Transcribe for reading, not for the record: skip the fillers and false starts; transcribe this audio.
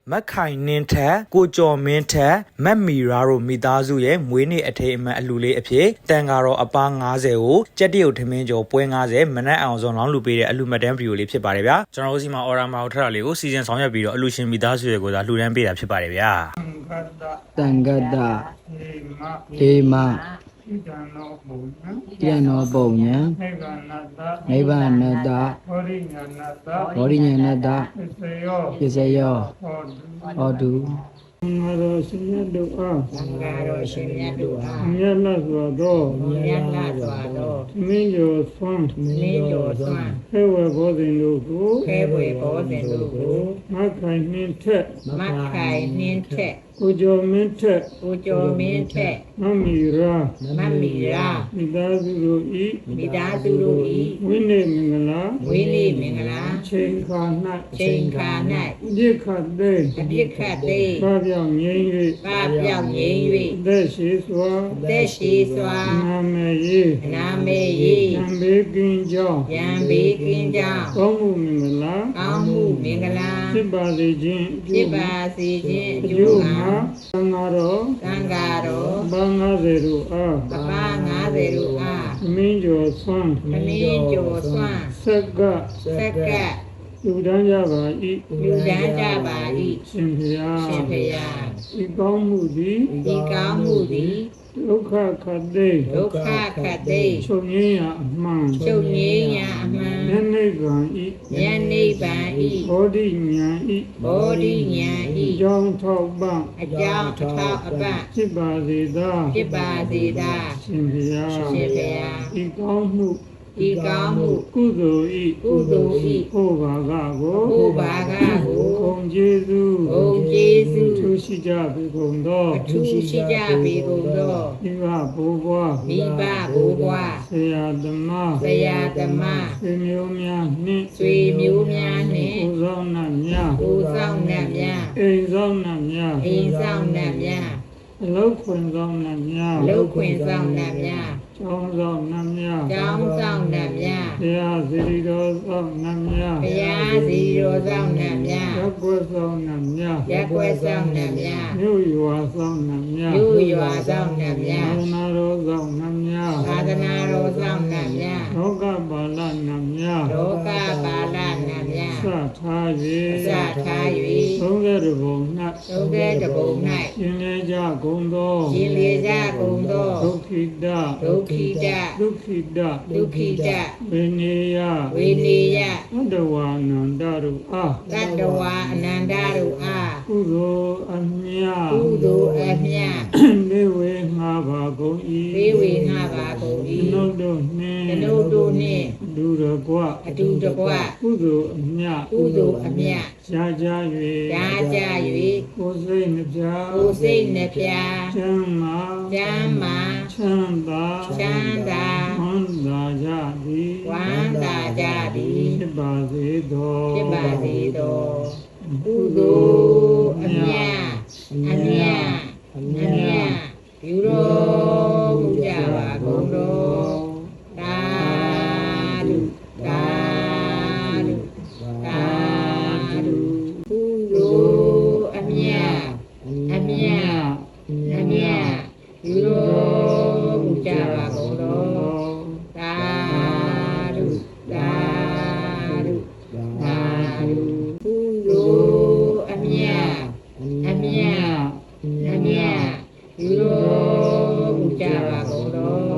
မက်ခိုင်နင်းထက်ကိုကျော်မင်းထက်မက်မီရာတို့မိသားစုရဲ့မွေးနေ့အထိမ်းအမှတ်အလှူလေးအဖြစ်တန်ကာတော်အပား90ကိုကြက်တရုတ်ထမင်းကျော်ပွဲ90မနက်အောင်စုံလောင်းလူပေးတဲ့အလှူမတ်တန်းဗီဒီယိုလေးဖြစ်ပါတယ်ဗျာကျွန်တော်တို့စီမှာအော်ရာမာကိုထပ်တာလေးကိုစီစဉ်ဆောင်ရွက်ပြီးတော့အလှူရှင်မိသားစုတွေကိုသာလှူဒန်းပေးတာဖြစ်ပါတယ်ဗျာတန်ဂတအေမတန်နောပုံညာနိဗ္ဗာန်တဘောဓိညာဏတပစ္စယောဟောတုငါတော်ရှင်မြတ်တို့အားငါတော်ရှင်မြတ်တို့အားမြတ်လတ်စွာသောမြတ်လတ်စွာသောမင်းကျော်ဆွမ်းမင်းကျော်စွမ်းခဲဝဲဘောဇင်တို့ကိုခဲဝဲဘောဇင်တို့ကိုမခိုင်နှင်းထက်မခိုင်နှင်းထက်ကိုကျော်မင်းထက်ကိုကျော်မင်းထက်မမီရာမမီရာမိသားစုတို့ဤမိသားစုတို့ဤဝိနည်းမင်္ဂလာဝိနည်းမင်္ဂလာချိန်ခါ၌ချိန်ခါ၌ပြစ်ခတ်သိအပြစ်ခတ်သိပါပြောင်းငြိမ်း၍ပါပြောင်းငြိမ်း၍သက်ရှိစွာသက်ရှိစွာနာမေယေနာမေယေယံဘေကင်းကြောင်းယံဘေကင်းကြောင်းကောင်းမှုမင်္ဂလာကောင်းမှုမင်္ဂလာဖြစ်ပါစေခြင်းဖြစ်ပါစေခြင်းအကျိုးမှာသံဃာတော်သံဃာတော်ဘာ90တို့အားအပါ90တို့အားမင်းကျော်ဆွမ်းမင်းကျော်စွမ်းဆက်ကလူတန်းကြပါ၏လူတန်းကြပါ၏ရှင်ဖျားရှင်ဖျားဤကောင်းမှုသည်ဤကောင်းမှုသည်ဒုက္ခခတ်သိဒုက္ခခတ်သိချုပ်ငြိမ်းရာအမှန်ချုပ်ငြိမ်းရာအမှန်ဉာဏ်နိဗ္ဗာန်ဤဉာဏ်နိဗ္ဗာန်ဤဘောဓိဉာဏ်ဤဘောဓိဉာဏ်ဤအကြောင်းထောက်ပံ့အကြောင်းအထောက်အပံ့ဖြစ်ပါစေသာဖြစ်ပါစေသာရှင်ဖျားရှင်ဖျားဤကောင်းမှုဤကောင်းမှုကုသိုလ်ဤကုသိုလ်ဤဟောဘာကကိုဟောဘာကကိုဂုံကျေးဇူးဂုံကျေးဇူးထူးရှိကြပေကုန်သောအထူးရှိကြပေကုန်သောမိဘဘိုးဘွားမိဘဘိုးဘွားဆရာသမားဆရာသမားဆွေမျိုးများနှင့်ဆွေမျိုးများနှင့်ကိုဆောင်နှံ့များကိုဆောင်နှံ့များအိမ်ဆောင်နှံ့များအိမ်ဆောင်နှံ့များအလောက်ခွင်ဆောင်နှံ့များအလောက်ခွင်ဆောင်နှံ့များကျောင်းဆောင်နှံ့များကျောင်းဆောင်နှံ့များဘုရားစီရီတော်ဆောင်နှံ့များဘုရားစီတော်ဆောင်နှံ့များရက်ွယ်ဆောင်နှံ့များရက်ွယ်ဆောင်နှံ့များမြို့ရွာဆောင်နှံ့များမြို့ရွာဆောင်နှံ့များသာသနာတော်ဆောင်နှံ့များသာသနာတော်ဆောင်နှံ့များလောကပါဠနှံ့များလောကပါဠနှံ့များစထား၍30ဘုံ၌ 30ဘုံ၌ရှင်လေကြကုန်သောရှင်လေကြကုန်သောဒုက္ခိတဒုက္ခိတဒုက္ခိတဒုက္ခိတဝိနေယဝိနေယသတ္တဝါအနန္တတို့အားသတ္တဝါအနန္တတို့အားကုသိုလ်အမြတ်ကုသိုလ်အမြတ်မေဝေငါပါကုန်၏မေဝေငါပါကုန်၏နုတို့နှင့်နုတို့နှင့်ဒုရကွအတူတကွကုသိုလ်အမြတ်ကုသိုလ်အမြတ်ရှားကြ၍ကိုယ်စိတ်နှပြကိုယ်စိတ်နှပြချမ်းသာချမ်းသာချမ်းသာချမ်းသာဝမ်းသာကြသည်ဝမ်းသာကြသည်ဖြစ်ပါစေသောဖြစ်ပါစေသောကုသိုလ်အမြတ်အမြတ်အမြတ်ပြုတော်မူကြပါကုန်တော်သာဓုသာဓုသာဓုကုသိုလ်အမြတ်အမြတ်အမြတ်ပြုတော်မူကြပါကုန်တော်သာဓုသာဓုသာဓုကုသိုလ်အမြတ်အမြတ်အမြတ်ပြုတော်မူကြပါကုန်တော်